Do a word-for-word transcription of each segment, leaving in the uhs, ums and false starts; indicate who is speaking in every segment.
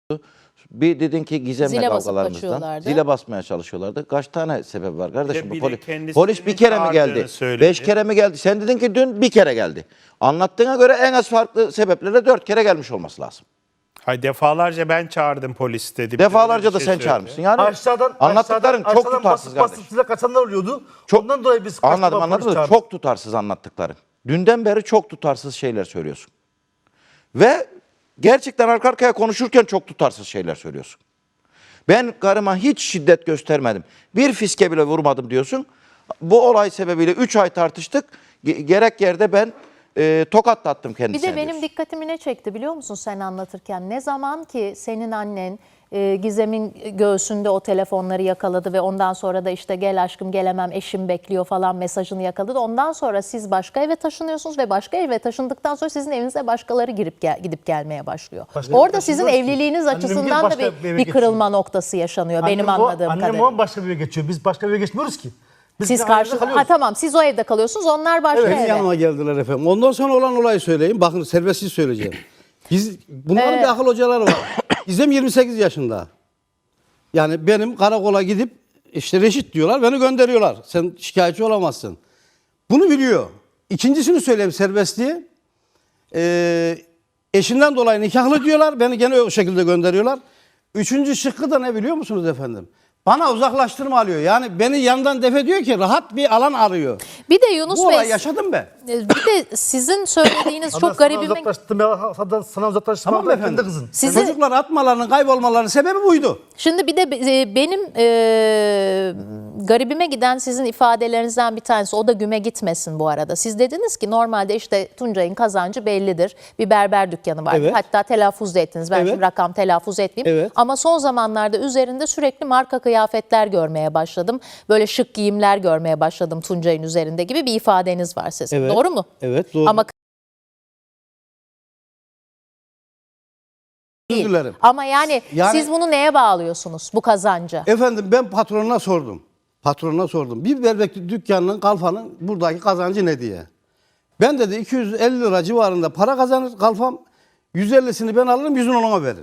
Speaker 1: Bir dedin ki Gizem'le
Speaker 2: Zile basıp
Speaker 1: kavgalarımızdan.
Speaker 2: kaçıyorlardı.
Speaker 1: Zile basmaya çalışıyorlardı. Kaç tane sebep var kardeşim?
Speaker 3: Bir
Speaker 1: Bu
Speaker 3: de
Speaker 1: poli-
Speaker 3: kendisini
Speaker 1: polis bir kere mi
Speaker 3: çağırdığını
Speaker 1: geldi?
Speaker 3: söyledi.
Speaker 1: Beş kere mi geldi? Sen dedin ki dün bir kere geldi. Anlattığına göre en az farklı sebeplerle dört kere gelmiş olması lazım.
Speaker 3: Hayır, defalarca ben çağırdım polis dedi.
Speaker 1: Defalarca
Speaker 3: Öyle
Speaker 1: da
Speaker 3: bir
Speaker 1: sen
Speaker 3: şey
Speaker 1: çağırmışsın. Yani
Speaker 4: Aşağıdan,
Speaker 1: anlattıkların
Speaker 4: aşağıdan,
Speaker 1: çok
Speaker 4: aşağıdan
Speaker 1: tutarsız
Speaker 4: basıp
Speaker 1: kardeşim.
Speaker 4: basıp size kaçanlar oluyordu.
Speaker 1: Çok-
Speaker 4: Ondan dolayı biz kaç
Speaker 1: Anladım
Speaker 4: defa
Speaker 1: anladım
Speaker 4: polis
Speaker 1: da
Speaker 4: çağırdık.
Speaker 1: çok tutarsız anlattıkların. Dünden beri çok tutarsız şeyler söylüyorsun. Ve gerçekten arka arkaya konuşurken çok tutarsız şeyler söylüyorsun. Ben karıma hiç şiddet göstermedim. Bir fiske bile vurmadım diyorsun. Bu olay sebebiyle üç ay tartıştık. Ge- Gerek yerde ben e, tokatlattım
Speaker 2: Bir
Speaker 1: kendisine
Speaker 2: de benim
Speaker 1: diyorsun.
Speaker 2: dikkatimi ne çekti biliyor musun sen anlatırken? Ne zaman ki senin annen e, Gizem'in göğsünde o telefonları yakaladı ve ondan sonra da işte gel aşkım gelemem eşim bekliyor falan mesajını yakaladı. Ondan sonra siz başka eve taşınıyorsunuz ve başka eve taşındıktan sonra sizin evinize başkaları girip gel, gidip gelmeye başlıyor.
Speaker 4: Başka
Speaker 2: Orada
Speaker 4: eve
Speaker 2: sizin
Speaker 4: taşınıyoruz ki.
Speaker 2: evliliğiniz
Speaker 4: Annem
Speaker 2: açısından da
Speaker 4: başka
Speaker 2: bir,
Speaker 4: bir eve
Speaker 2: bir kırılma noktası yaşanıyor benim
Speaker 4: Annem o-
Speaker 2: anladığım
Speaker 4: annem
Speaker 2: kadarıyla.
Speaker 4: o başka bir eve geçiyor. Biz başka bir eve geçmiyoruz ki. Biz
Speaker 2: Siz
Speaker 4: bir ailede
Speaker 2: karşı ha
Speaker 4: kalıyoruz.
Speaker 2: tamam siz o evde kalıyorsunuz onlar başka
Speaker 4: Evet,
Speaker 2: eve.
Speaker 5: Benim yanıma geldiler efendim. Ondan sonra olan olayı söyleyeyim. Bakın serbestsiz söyleyeceğim. Biz, bunların
Speaker 2: Ee,
Speaker 5: bir akıl hocaları var. Gizem yirmi sekiz yaşında. Yani benim karakola gidip işte reşit diyorlar, beni gönderiyorlar. Sen şikayetçi olamazsın. Bunu biliyor. İkincisini söyleyeyim serbestliği. Ee, eşinden dolayı nikahlı diyorlar, beni gene o şekilde gönderiyorlar. Üçüncü şıkkı da ne biliyor musunuz efendim? Bana uzaklaştırma alıyor. Yani beni yandan def ediyor ki rahat bir alan arıyor.
Speaker 2: Bir de Yunus
Speaker 5: Bu
Speaker 2: Bey
Speaker 5: olayı yaşadım ben.
Speaker 2: bir de sizin söylediğiniz
Speaker 4: Sana-
Speaker 2: çok
Speaker 4: sana
Speaker 2: garibime
Speaker 4: uzaklaştırdım ya, sana, sana uzaklaştırma
Speaker 5: Tamam mı
Speaker 4: kendi
Speaker 5: efendim?
Speaker 4: kızın.
Speaker 2: Sizi-
Speaker 5: Çocuklar atmalarının, kaybolmalarının sebebi buydu.
Speaker 2: Şimdi bir de e, benim e, garibime giden sizin ifadelerinizden bir tanesi, o da güme gitmesin bu arada. Siz dediniz ki normalde işte Tuncay'ın kazancı bellidir. Bir berber dükkanı var.
Speaker 5: Evet.
Speaker 2: Hatta telaffuz da ettiniz. Ben
Speaker 5: Evet.
Speaker 2: şimdi rakam telaffuz etmeyeyim.
Speaker 5: Evet.
Speaker 2: Ama son zamanlarda üzerinde sürekli marka kıyafetler görmeye başladım. Böyle şık giyimler görmeye başladım Tuncay'ın üzerinde gibi bir ifadeniz var sizin.
Speaker 5: Evet.
Speaker 2: Doğru mu?
Speaker 5: Evet, doğru.
Speaker 2: Ama
Speaker 5: Özür
Speaker 2: değil.
Speaker 5: dilerim.
Speaker 2: Ama yani,
Speaker 5: Yani-
Speaker 2: siz bunu neye bağlıyorsunuz bu kazanca?
Speaker 5: Efendim ben patronuna sordum. Patronuna sordum. Bir bebek dükkanının, kalfanın buradaki kazancı ne diye. Ben dedi iki yüz elli lira civarında para kazanır kalfam. yüz ellisini ben alırım, yüzünü ona verir.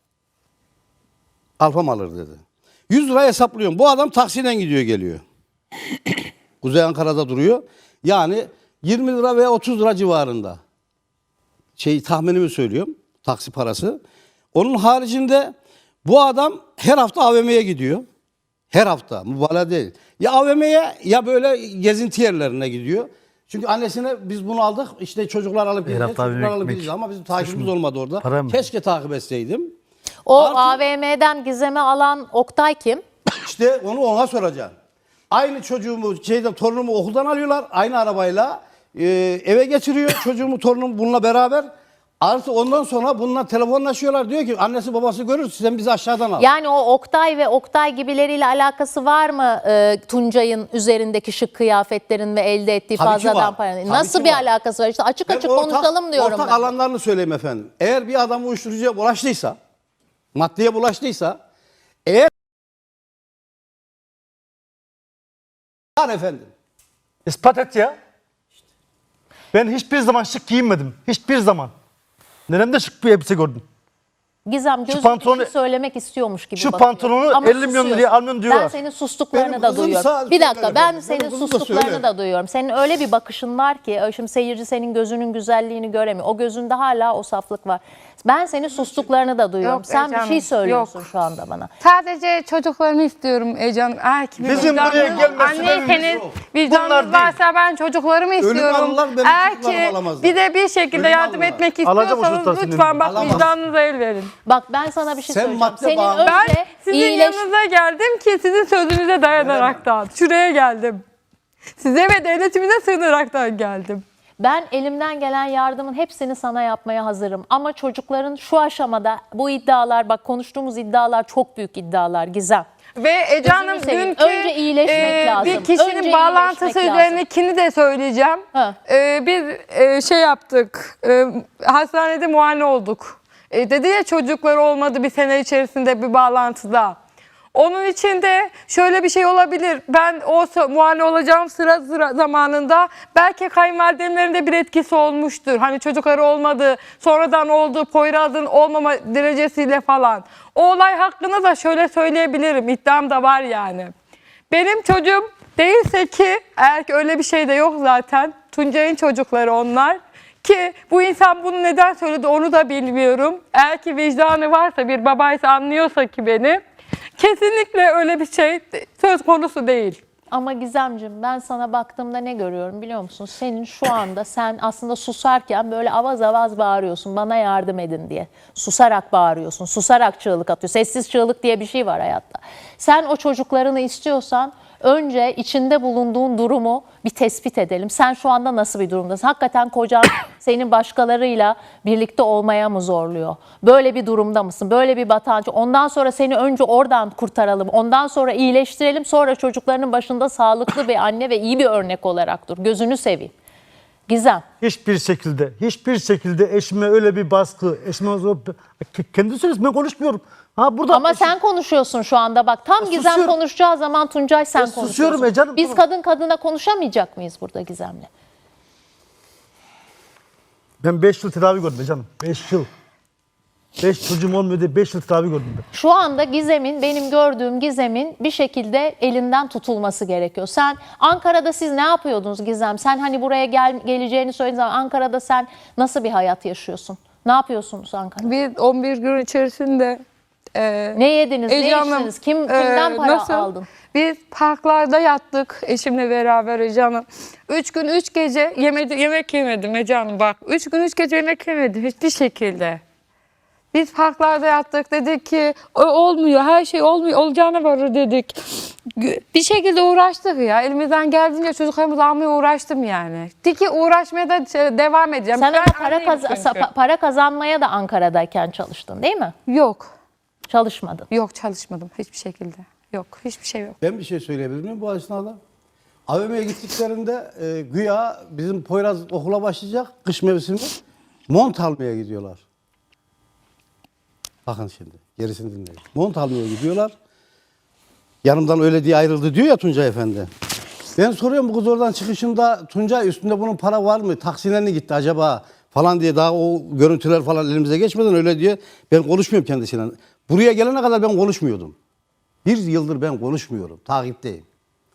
Speaker 5: Kalfam alır dedi. yüz lira hesaplıyorum. Bu adam taksiyle gidiyor geliyor. Kuzey Ankara'da duruyor. Yani yirmi lira veya otuz lira civarında. Şey tahminimi söylüyorum. Taksi parası. Onun haricinde bu adam her hafta A V M'ye gidiyor. Her hafta. Mübalağa değil. Ya A V M'ye ya böyle gezinti yerlerine gidiyor. Çünkü annesine biz bunu aldık. İşte çocuklar alıp gideceğiz.
Speaker 4: hafta A V M'ye
Speaker 5: Çocuklar alıp
Speaker 4: gitmek.
Speaker 5: gideceğiz ama bizim takibimiz olmadı orada.
Speaker 4: Para mı?
Speaker 5: Keşke takip etseydim.
Speaker 2: O
Speaker 5: Artı-
Speaker 2: A V M'den Gizem'i alan Oktay kim?
Speaker 5: İşte onu ona soracağım. Aynı çocuğumu, şeyden torunumu okuldan alıyorlar. Aynı arabayla e, eve getiriyor. Çocuğumu, torunumu bununla beraber. Artı ondan sonra bununla telefonlaşıyorlar. Diyor ki annesi babası görür, sen bizi aşağıdan al.
Speaker 2: Yani o Oktay ve Oktay gibileriyle alakası var mı e, Tuncay'ın üzerindeki şık kıyafetlerin ve elde ettiği
Speaker 5: Tabii ki
Speaker 2: fazladan
Speaker 5: var.
Speaker 2: paranın?
Speaker 5: Tabii
Speaker 2: Nasıl
Speaker 5: ki
Speaker 2: bir
Speaker 5: var.
Speaker 2: alakası var? İşte açık
Speaker 5: Ben
Speaker 2: açık
Speaker 5: ortak-
Speaker 2: konuşalım diyorum
Speaker 5: Ortak
Speaker 2: ben.
Speaker 5: alanlarını söyleyeyim efendim. Eğer bir adam uyuşturucuya bulaştıysa, maddeye bulaştıysa, eğer var efendim.
Speaker 4: İspat et ya. Ben hiçbir zaman şık giyinmedim. Hiçbir zaman. Neremde şık bir elbise gördüm.
Speaker 2: Gizem gözü
Speaker 4: pantolonu-
Speaker 2: bir şey söylemek istiyormuş gibi
Speaker 4: şu
Speaker 2: bakıyor.
Speaker 4: pantolonu
Speaker 2: Ama
Speaker 4: elli milyon
Speaker 2: susuyorsun.
Speaker 4: liraya almıyorum diyorlar.
Speaker 2: Ben senin sustuklarını
Speaker 5: Benim
Speaker 2: da
Speaker 5: kızım
Speaker 2: duyuyorum.
Speaker 5: sağ-
Speaker 2: Bir dakika
Speaker 5: söyle
Speaker 2: ben
Speaker 5: efendim.
Speaker 2: senin
Speaker 5: Benim kızım da
Speaker 2: sustuklarını
Speaker 5: söyle.
Speaker 2: da duyuyorum. Senin öyle bir bakışın var ki şimdi seyirci senin gözünün güzelliğini göremiyor. O gözünde hala o saflık var. Ben senin sustuklarını da duyuyorum.
Speaker 6: Yok,
Speaker 2: Sen bir
Speaker 6: Ece
Speaker 2: şey
Speaker 6: Hanım,
Speaker 2: söylüyorsun
Speaker 6: yok.
Speaker 2: şu anda bana.
Speaker 6: Sadece çocuklarımı istiyorum Ece Hanım. Eğer ki bir
Speaker 4: Bizim
Speaker 6: vicdanınız-
Speaker 4: buraya gelmesi
Speaker 6: Anneyseniz
Speaker 4: sebebimiz
Speaker 6: vicdanınız
Speaker 4: Bunlar değil.
Speaker 6: varsa ben çocuklarımı istiyorum.
Speaker 5: alırlar, benim
Speaker 6: Eğer
Speaker 5: çocuklarımı
Speaker 6: ki
Speaker 5: alamazlar.
Speaker 6: bir de bir şekilde
Speaker 5: Ölüm
Speaker 6: yardım
Speaker 5: alırlar.
Speaker 6: etmek
Speaker 4: Alacağım o
Speaker 6: istiyorsanız
Speaker 4: çocuklar senin.
Speaker 6: lütfen bak
Speaker 5: Alamaz.
Speaker 6: vicdanınıza el verin.
Speaker 2: Bak ben sana bir şey
Speaker 5: Sen
Speaker 2: söyleyeceğim.
Speaker 5: madde
Speaker 2: Senin
Speaker 5: bağımlı-
Speaker 6: Ben
Speaker 2: önce
Speaker 6: sizin
Speaker 2: iyileş...
Speaker 6: yanınıza geldim ki sizin sözünüze dayanaraktan. Şuraya geldim. Size ve devletimize sığınaraktan geldim.
Speaker 2: Ben elimden gelen yardımın hepsini sana yapmaya hazırım. Ama çocukların şu aşamada bu iddialar, bak konuştuğumuz iddialar çok büyük iddialar Gizem.
Speaker 6: Ve Ece Hanım
Speaker 2: Gözünü seveyim.
Speaker 6: dünkü
Speaker 2: Önce iyileşmek lazım.
Speaker 6: bir kişinin
Speaker 2: Önce
Speaker 6: bağlantısı
Speaker 2: iyileşmek
Speaker 6: üzerindekini de söyleyeceğim.
Speaker 2: Ha.
Speaker 6: E, bir e, şey yaptık. E, hastanede muayene olduk. E, dedi ya çocukları olmadı bir sene içerisinde bir bağlantıda. Onun için de şöyle bir şey olabilir. Ben o sı- muayene olacağım sıra, sıra zamanında belki kayınvalidemlerin de bir etkisi olmuştur. Hani çocukları olmadı, sonradan oldu, Poyraz'ın olmama derecesiyle falan. O olay hakkında da şöyle söyleyebilirim. İddiam da var yani. Benim çocuğum değilse ki, eğer ki öyle bir şey de yok zaten. Tuncay'ın çocukları onlar. Ki bu insan bunu neden söyledi onu da bilmiyorum. Eğer ki vicdanı varsa, bir babaysa, anlıyorsa ki beni, kesinlikle öyle bir şey söz konusu değil.
Speaker 2: Ama Gizemciğim, ben sana baktığımda ne görüyorum biliyor musun? Senin şu anda, sen aslında susarken böyle avaz avaz bağırıyorsun, bana yardım edin diye. Susarak bağırıyorsun, susarak çığlık atıyorsun. Sessiz çığlık diye bir şey var hayatta. Sen o çocuklarını istiyorsan önce içinde bulunduğun durumu bir tespit edelim. Sen şu anda nasıl bir durumdasın? Hakikaten kocan senin başkalarıyla birlikte olmaya mı zorluyor? Böyle bir durumda mısın? Böyle bir batancı. Ondan sonra seni önce oradan kurtaralım. Ondan sonra iyileştirelim. Sonra çocuklarının başında sağlıklı bir anne ve iyi bir örnek olarak dur. Gözünü seveyim. Gizem.
Speaker 4: Hiçbir şekilde, hiçbir şekilde eşime öyle bir baskı, eşime kendi söylüyorsun, ben konuşmuyorum. Ha burada
Speaker 2: Ama sen konuşuyorsun şu anda bak. Tam
Speaker 4: Ya
Speaker 2: Gizem
Speaker 4: susuyorum.
Speaker 2: konuşacağı zaman Tuncay sen
Speaker 4: Ya
Speaker 2: konuşuyorsun.
Speaker 4: susuyorum ya canım,
Speaker 2: Biz
Speaker 4: tamam.
Speaker 2: kadın kadına konuşamayacak mıyız burada Gizem'le?
Speaker 4: ben beş yıl tedavi gördüm be canım. beş yıl. beş çocuğum olmuyor diye beş yıl tedavi gördüm ben.
Speaker 2: Şu anda Gizem'in, benim gördüğüm Gizem'in bir şekilde elinden tutulması gerekiyor. Sen Ankara'da siz ne yapıyordunuz Gizem? Sen hani buraya gel, geleceğini söylediğin zaman Ankara'da sen nasıl bir hayat yaşıyorsun? Ne yapıyorsunuz Ankara'da?
Speaker 6: Biz on bir gün içerisinde e,
Speaker 2: Ne yediniz,
Speaker 6: Ece
Speaker 2: ne
Speaker 6: Hanım,
Speaker 2: içtiniz? Kim,
Speaker 6: e,
Speaker 2: kimden para
Speaker 6: nasıl?
Speaker 2: aldın?
Speaker 6: Biz parklarda yattık eşimle beraber Ece Hanım. Üç gün üç gece yemedi, yemek yemedim Ece Hanım bak. Üç gün üç gece yemek yemedim hiçbir şekilde. Biz parklarda yattık, dedik ki "O- olmuyor, her şey olmuyor, olacağına varır dedik. Gü- Bir şekilde uğraştık ya, elimizden geldiğince çocuklarımızı almaya uğraştım yani. De ki uğraşmaya da şey, devam edeceğim.
Speaker 2: Sen
Speaker 6: Ben
Speaker 2: ama para,
Speaker 6: anneyim
Speaker 2: kaz-
Speaker 6: çünkü.
Speaker 2: sa- para kazanmaya da Ankara'dayken çalıştın değil mi?
Speaker 6: Yok,
Speaker 2: Çalışmadın.
Speaker 6: yok çalışmadım hiçbir şekilde. Yok, hiçbir şey yok.
Speaker 5: Ben bir şey söyleyebilir miyim bu esnada? A V M'ye gittiklerinde e, güya bizim Poyraz okula başlayacak kış mevsimi mont almaya gidiyorlar. Bakın şimdi gerisini dinleyin. Mont almaya gidiyorlar. Yanımdan öyle diye ayrıldı diyor ya Tuncay Efendi. Ben soruyorum bu kız oradan çıkışında Tuncay üstünde bunun para var mı? Taksiyle mi gitti acaba? Falan diye daha o görüntüler falan elimize geçmeden öyle diye ben konuşmuyorum kendisiyle. Buraya gelene kadar ben konuşmuyordum. Bir yıldır ben konuşmuyorum. Takipteyim.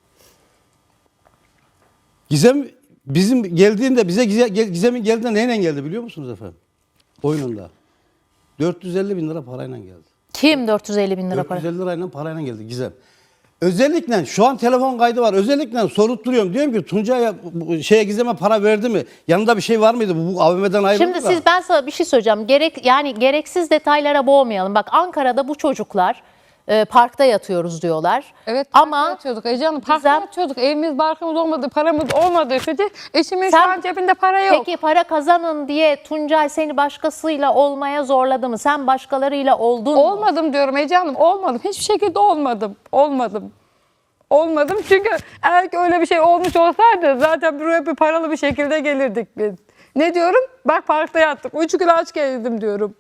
Speaker 5: Gizem bizim geldiğinde bize Gizem'in geldiğinde neyle geldi biliyor musunuz efendim? Oyununda. dört yüz elli bin lira parayla geldi.
Speaker 2: Kim dört yüz elli bin lira para?
Speaker 5: dört yüz elli lirayla parayla geldi Gizem. Özellikle şu an telefon kaydı var. Özellikle sorup duruyorum. Diyorum ki Tuncay'a bu şeye Gizem'e para verdi mi? Yanında bir şey var mıydı? Bu, bu A V M'den ayrıldı
Speaker 2: Şimdi
Speaker 5: da.
Speaker 2: siz, ben sana bir şey söyleyeceğim. Gerek yani gereksiz detaylara boğmayalım. Bak Ankara'da bu çocuklar e, parkta yatıyoruz diyorlar.
Speaker 6: Evet, parkta
Speaker 2: Ama
Speaker 6: yatıyorduk Ece Hanım, parkta
Speaker 2: Gizem-
Speaker 6: yatıyorduk. Evimiz, barkımız olmadı, paramız olmadığı sürece eşimin
Speaker 2: Sen-
Speaker 6: şu an cebinde para yok.
Speaker 2: peki para kazanın diye Tuncay seni başkasıyla olmaya zorladı mı? Sen başkalarıyla oldun mu?
Speaker 6: Olmadım diyorum Ece Hanım, olmadım. Hiçbir şekilde olmadım. Olmadım. Olmadım çünkü eğer ki öyle bir şey olmuş olsaydı zaten buraya bir paralı bir şekilde gelirdik biz. Ne diyorum? Bak parkta yattık. Üç gün aç geldim diyorum.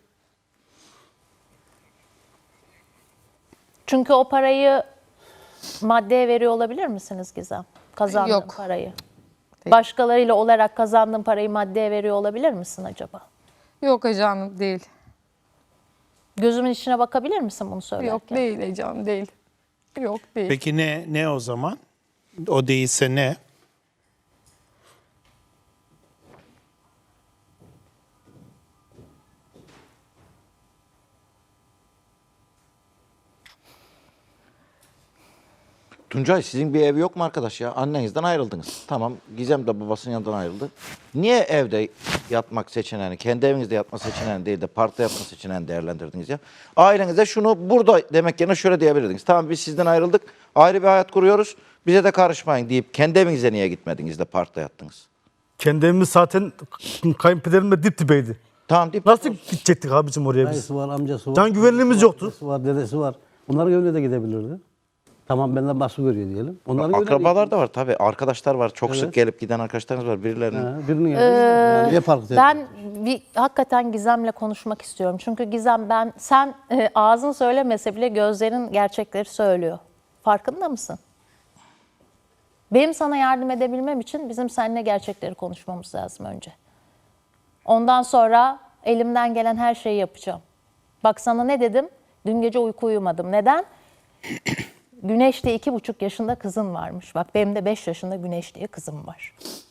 Speaker 2: Çünkü o parayı maddeye veriyor olabilir misiniz Gizem? Kazandığın
Speaker 6: Yok.
Speaker 2: parayı. Başkalarıyla olarak kazandığın parayı maddeye veriyor olabilir misin acaba?
Speaker 6: Yok Ece Hanım, değil.
Speaker 2: Gözümün içine bakabilir misin bunu söylerken?
Speaker 6: Yok değil Ece Hanım, değil. Yok değil.
Speaker 3: Peki ne ne o zaman? O değilse ne?
Speaker 1: Tuncay sizin bir ev yok mu arkadaş ya? Annenizden ayrıldınız. Tamam Gizem de babasının yanından ayrıldı. Niye evde yatmak seçeneğini, kendi evinizde yatma seçeneğini değil de parkta yatma seçeneğini değerlendirdiniz ya? Ailenize şunu burada demek yerine şöyle diyebilirdiniz. Tamam biz sizden ayrıldık, ayrı bir hayat kuruyoruz. Bize de karışmayın deyip kendi evinize niye gitmediniz de parkta yattınız?
Speaker 4: kendi evimiz zaten kayınpederimle dip dibeydi.
Speaker 1: Tamam deyip
Speaker 4: Nasıl gidecektik abicim oraya biz?
Speaker 5: Dayısı var, amcası var.
Speaker 4: Can güvenliğimiz yoktu.
Speaker 5: Dedesi var, dedesi var. Bunların evine de gidebilirdi. Tamam benden baskı görüyor diyelim. Onların
Speaker 1: Akrabalar da var tabii. Arkadaşlar var. Çok
Speaker 5: Evet.
Speaker 1: sık gelip giden arkadaşlarınız var. Birilerinin
Speaker 5: Ha, birinin yerine yani niye fark ediyor?
Speaker 2: Ben bir hakikaten Gizem'le konuşmak istiyorum. Çünkü Gizem ben sen e, ağzın söylemese bile gözlerin gerçekleri söylüyor. Farkında mısın? Benim sana yardım edebilmem için bizim seninle gerçekleri konuşmamız lazım önce. Ondan sonra elimden gelen her şeyi yapacağım. Bak sana ne dedim? Dün gece uyku uyumadım. Neden? Güneş diye iki buçuk yaşında kızın varmış. Bak benim de beş yaşında Güneş diye kızım var.